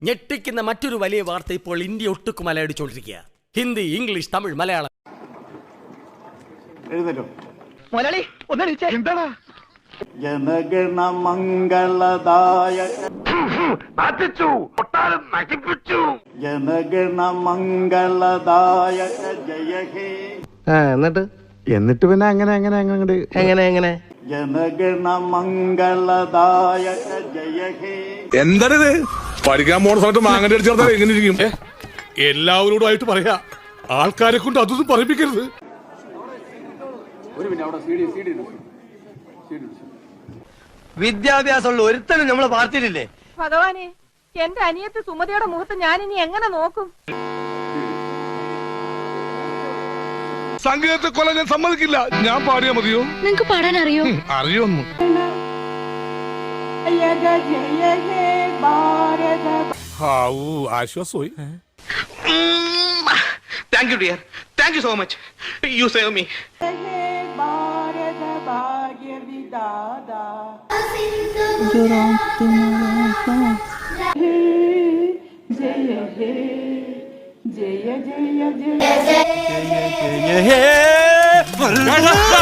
ഞെട്ടിക്കുന്ന മറ്റൊരു വലിയ വാർത്ത ഇപ്പോൾ ഇന്ത്യ ഒട്ടുക്കും അലയടിച്ചുകൊണ്ടിരിക്കുക. ഹിന്ദി, ഇംഗ്ലീഷ്, തമിഴ്, മലയാളം. ജനഗണ മംഗളദായ ജനഗണ മംഗളദായ ജയ ഹേ. എന്നിട്ട് പിന്നെ എങ്ങനെ ജനഗണ മംഗളദായ ജയ ഹേ. എന്താണിത് പഠിക്കാൻ പോണ സമയത്ത് മാങ്ങന്റെ അടിച്ചു ചേർത്താൽ എങ്ങനെ ഇരിക്കും? എല്ലാവരോടും ആയിട്ട് പറയാ, ആൾക്കാരെ കൊണ്ട് അതൊന്നും പറയിപ്പിക്കരുത്. വിദ്യാഭ്യാസമുള്ള ഒരുത്തനും നമ്മളെ പാർട്ടിയിലില്ലേ? ഭഗവാനെ, എന്റെ അനിയത്തി സുമതിയുടെ മുഖത്ത് ഞാൻ ഇനി എങ്ങനെ നോക്കും? സംഗീതത്തെ കൊല്ലാൻ ഞാൻ സമ്മതിക്കില്ല. ഞാൻ പാടിയാ മതിയോ? നിങ്ങക്ക് പാടാൻ അറിയോ? അറിയൊന്നു. ആശ്വാസമായി. Thank you dear, thank you so much, you save me. ജയ ജയ ജയ